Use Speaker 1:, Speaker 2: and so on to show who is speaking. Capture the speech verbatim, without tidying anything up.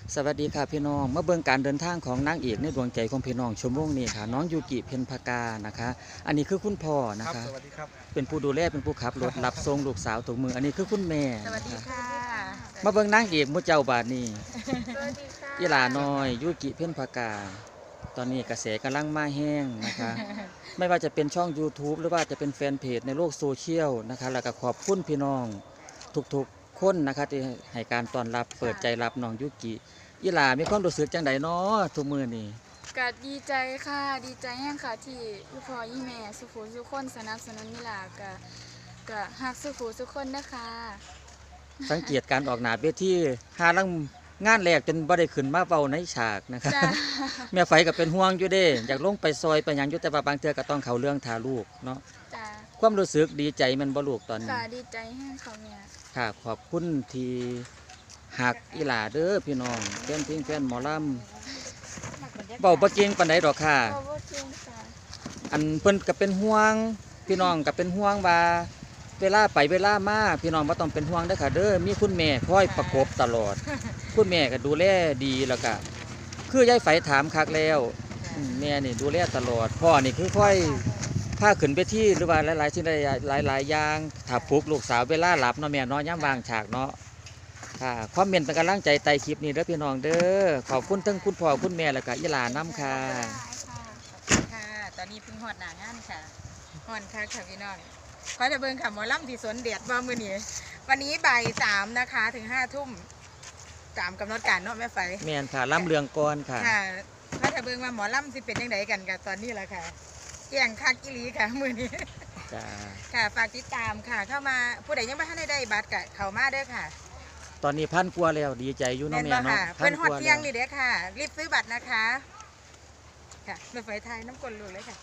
Speaker 1: สวัสดีค่ะพี่น้องมาเบิ่งการเดินทางของนางเอกในดวงใจของพี่น้องชั่วโมงนี้ค่ะน้องยูกิเพ็ญภากานะคะอันนี้คือคุณพ่อนะ
Speaker 2: ครับ
Speaker 1: คะ
Speaker 2: สวัสดีครับ
Speaker 1: เป็นผู้ดูแลเป็นผู้ขับรถรับส่งลูกสาวถูกมืออันนี้คือคุณแม่
Speaker 3: สวัสดี
Speaker 1: นะคะ
Speaker 3: ค่ะ
Speaker 1: มาเบิ่งนางเอกมุเจ้าบาดนี้
Speaker 3: สวัสดีค่ะ
Speaker 1: อีหลาน้อยยูกิเพ็ญภากา ตอนนี้กระแสกำลังมาแห้งนะคะ ไม่ว่าจะเป็นช่อง YouTube หรือว่าจะเป็นแฟนเพจในโลกโซเชียลนะคะแล้วก็ขอบคุณพี่น้องทุกๆคนนะคะที่ให้การต้อนรับเปิดใจรับน้องยูกิอีหลามีความรู้สึกจังไดเนาะทุกมื้อนี้
Speaker 4: ก็ดีใจค่ะดีใจแห้งค่ะที่พี่พ่อยี่แม่สุขุสุขคนสนับสนุนนี่ล่ะก็ก็ฮักสุขุสุขคนนะคะ
Speaker 1: สังเกตการออกหน้าเวทีหาลังงานแรกจนบ่ได้ขึ้นมาเว้าในฉากนะคะ
Speaker 4: จ้า
Speaker 1: แม่ไฟก็เป็นห่วงอยู่เด้อยากลงไปซอยไปหยังอยู่แต่ว่าบางเทื่อก็ต้องเข้าเรื่องทาลูกเนาะ
Speaker 4: จ้า
Speaker 1: ความรู้สึกดีใจแมันบ่ลูกตอนนี้
Speaker 4: ค่ะดีใจแห้งค่ะแม่
Speaker 1: ค่ะขอบคุณที่หักอีหลาเด้อพี่น้องแฟนเพลงแฟนหมอลำเว้าบ่เก่งปานใดดอกค่ะ
Speaker 4: ขอบคุณค่ะ
Speaker 1: อันเพิ่นก็เป็นห่วงพี่น้องก็เป็นห่วงว่าเวลาไปเวลามาพี่น้องบ่ต้องเป็นห่วงเด้อค่ะเด้อมีคุณแม่คอยประกบตลอด คุณแม่ก็ดูแลดีแล้วก็คือยายไฝถามคักแล้วอืมแม่นี่ดูแลตลอดพ่อนี่คือค่อยพาขึ้นไปที่หรือว่าหลายๆสิ่งหลายหลายๆอย่างถ้าปลุกลูกสาวเวลาหลับเนาะแม่เนาะยามวางฉากเนาะค่ะความเมนเป็นกำลังใจใต้คลิปนี้เด้อพี่น้องเด้อขอบคุณทั้งคุณพ่อคุณแม่แล้วก็อีหลานํค่ะ
Speaker 3: ค่ะ ตอนนี้เพิ่งฮอดหน้างานค่ะฮอนค่ะค่ะพี่น้องขอจะเบิ่งค่ะหมอลำที่สวนเดียดว่ามื้อนี้วันนี้บ่ายสามนะคะถึงห้าทุ่มตามกำหนดการเนาะแม่ไฟ
Speaker 1: แม่นค่ะล่ำเรืองก่อนค่ะ
Speaker 3: ค่ะขอจะเบิ่งว่าหมอลำสิเป็นยังไงกันกับตอนนี้แหละค่ะแก่งคักอีหลีค่ะมื้อนี้
Speaker 1: จ้า
Speaker 3: ค่ะฝากติดตามค่ะ เข้ามาผู้ใดยังไม่ทันได้ได้บัตรก็เข้ามาเด้อค่ะ
Speaker 1: ตอนนี้พันกว่าแล้วดีใจอยู่
Speaker 3: แม่
Speaker 1: เนาะ
Speaker 3: น
Speaker 1: แม่
Speaker 3: บ่
Speaker 1: เนาะ
Speaker 3: ค่ะ
Speaker 1: พั
Speaker 3: เพิ่
Speaker 1: น
Speaker 3: น
Speaker 1: ก
Speaker 3: ฮอด
Speaker 1: ว่า
Speaker 3: เที่ย
Speaker 1: แล้
Speaker 3: ง
Speaker 1: ว
Speaker 3: นี่เด้อค่ะ รีบซื้อบัตรนะคะ ค่ะแม่ไฟไทยน้ำกลนลูกเลยค่ะ